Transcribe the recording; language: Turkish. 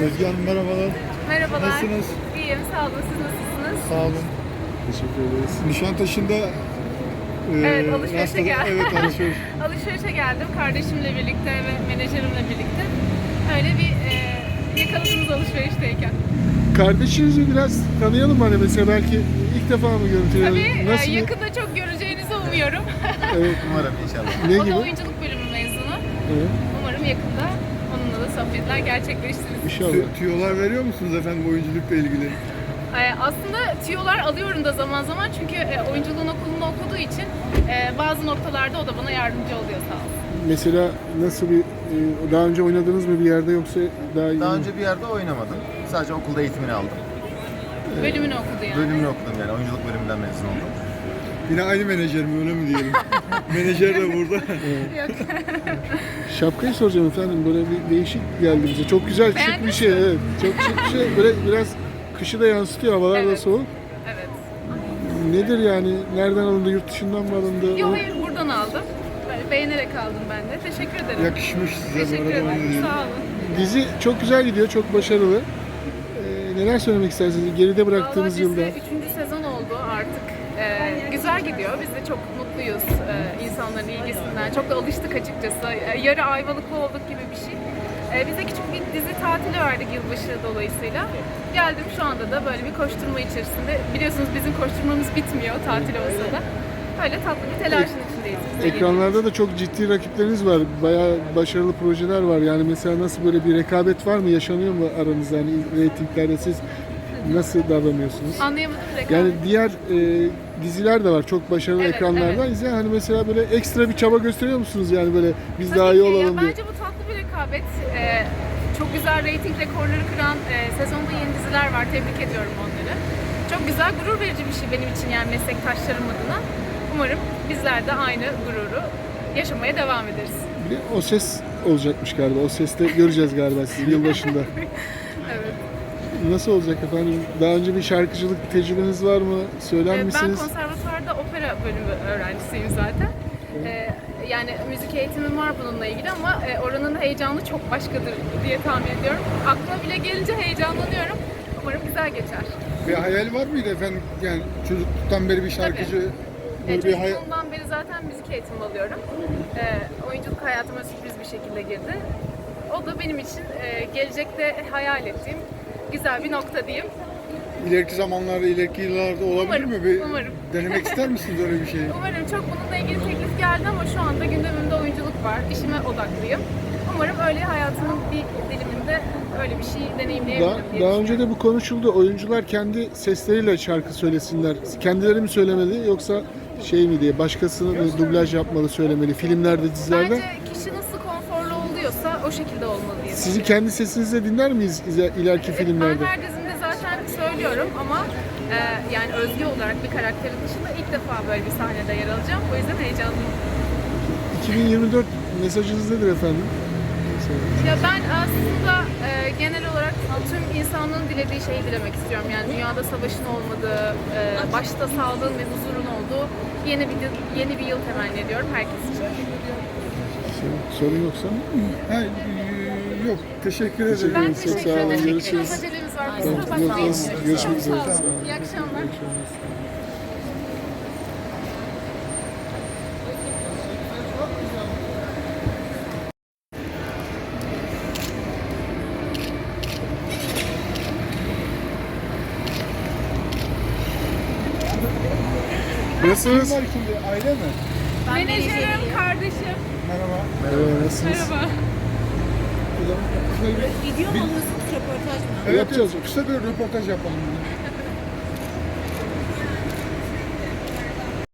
Özge Hanım merhabalar. Merhabalar. Nasılsınız? İyiyim, sağ olun. Siz nasılsınız? Sağ olun. Teşekkür ederiz. Nişantaşı'nda Evet, alışverişe geldim. Evet, alışveriş. Alışverişe geldim kardeşimle birlikte ve menajerimle birlikte. Öyle bir yakaladığımız alışverişteyken. Kardeşinizi biraz tanıyalım hani mesela belki ilk defa mı görüntüleyelim? Tabii Nasıl bir- yakında çok göreceğinizi umuyorum. Evet. Umarım inşallah. Ne O gibi? da oyunculuk bölümü mezunu. Evet. Umarım yakında onunla da sohbetler gerçekleştiririz. İnşallah. Tüyolar veriyor musunuz efendim oyunculukla ilgili? Aslında tüyolar alıyorum da zaman zaman çünkü oyunculuğun okulunda okuduğu için bazı noktalarda o da bana yardımcı oluyor sağ olsun. Mesela nasıl bir daha önce oynadınız mı bir yerde yoksa daha iyi Daha mi? önce bir yerde oynamadım. Sadece okulda eğitimini aldım. Bölümünü okudu yani. Bölümünü okudum yani. Oyunculuk bölümünden mezun oldum. Yine aynı menajer mi öyle mi diyelim? Menajer de burada. Yok. Şapkayı soracağım efendim böyle bir değişik geldi bize. Çok güzel şık bir Beğendiniz şey. mi? Evet. Çok şık bir şey. Böyle biraz kışı da yansıtıyor. Havalar da Evet. soğuk. Evet. Nedir yani? Nereden alındı? Yurt dışından mı alındı? Yok hayır buradan aldım. Böyle beğenerek aldım ben de. Teşekkür ederim. Yakışmış size bu Teşekkür arada onu ederim. diyelim. Sağ olun. Dizi çok güzel gidiyor. Çok başarılı. Neler söylemek istersiniz? Geride bıraktığınız Vallahi yılda. dizi 3. sezon oldu artık. Güzel gidiyor. Biz de çok mutluyuz insanların ilgisinden. Çok da alıştık açıkçası. Yarı Ayvalıklı olduk gibi bir şey. Biz de küçük bir dizi tatili verdik yılbaşı dolayısıyla. Geldim şu anda da böyle bir koşturma içerisinde. Biliyorsunuz bizim koşturmamız bitmiyor tatil olsa da. Böyle tatlı bir telaşın içindeyiz. biz de Ekranlarda da çok ciddi rakipleriniz var. Bayağı başarılı projeler var. Yani mesela nasıl böyle bir rekabet var mı? Yaşanıyor mu aranızda? Yani reytinglerde siz nasıl davranıyorsunuz? Anlayamadım rekabet. Yani diğer diziler de var. Çok başarılı Evet, ekranlardan. evet. Hani mesela böyle ekstra bir çaba gösteriyor musunuz? Yani böyle biz Tabii daha iyi ki. Ya olalım diye. bence bu tatlı bir rekabet. Çok güzel reyting rekorları kıran sezonda yeni diziler var. Tebrik ediyorum onları. Çok güzel, gurur verici bir şey benim için yani meslektaşlarım adına. Umarım bizler de aynı gururu yaşamaya devam ederiz. Bir de O Ses olacakmış galiba. O Ses'te göreceğiz galiba sizi yılbaşında. Evet. Nasıl olacak efendim? Daha önce bir şarkıcılık tecrübeniz var mı? Söyler Ben misiniz? konservatuvarda opera bölümü öğrencisiyim zaten. Yani müzik eğitimim var bununla ilgili ama oranın heyecanı çok başkadır diye tahmin ediyorum. Aklıma bile gelince heyecanlanıyorum. Umarım güzel geçer. Bir hayal var mıydı efendim? Yani çocukluktan beri bir şarkıcı böyle bir hayal... Çocukluğumdan beri zaten müzik eğitimi alıyorum. Oyunculuk hayatıma sürpriz bir şekilde girdi. O da benim için gelecekte hayal ettiğim güzel bir nokta diyeyim. İleriki zamanlarda, ileriki yıllarda olabilir Umarım, mi? Bir umarım. denemek ister misiniz öyle bir şeyi? Umarım çok bununla ilgili teklif geldi ama şu anda gündemimde oyunculuk var. İşime odaklıyım. Umarım öyle hayatımın bir diliminde öyle bir şey deneyimleyebilirim diye Daha önce de bu konuşuldu. Oyuncular kendi sesleriyle şarkı söylesinler. Kendileri mi söylemeli yoksa şey mi diye başkasını mı dublaj yapmalı söylemeli filmlerde, dizilerde? Bence kişi nasıl konforlu oluyorsa o şekilde olmalı diye. Sizi kendi sesinizle dinler miyiz ileriki filmlerde? Ben her dizimde zaten söylüyorum ama yani Özge olarak bir karakterin dışında ilk defa böyle bir sahnede yer alacağım. O yüzden heyecanlıyım. 2024 mesajınız nedir efendim? Ya ben aslında genel olarak tüm insanlığın dilediği şeyi dilemek istiyorum. Yani dünyada savaşın olmadığı, başta sağlığın ve huzurun olduğu yeni bir yıl temenni ediyorum herkes için. Sorun yoksa? Ha, yok, teşekkür ederim. Ben Çok teşekkür sağ olun, ederim. görüşürüz. Biraz acelemiz var. Tamam, Kusura bakmayın. görüşmek üzere. Çok sağ Sağ olun. olun. İyi akşamlar. Nasılsınız? Kim var şimdi? Aile mi? Menajerim, kardeşim. Merhaba. Merhaba, nasılsınız? Merhaba. Video mu alıyorsunuz, röportaj mı? Evet, Yapacağız. kısa bir röportaj yapalım.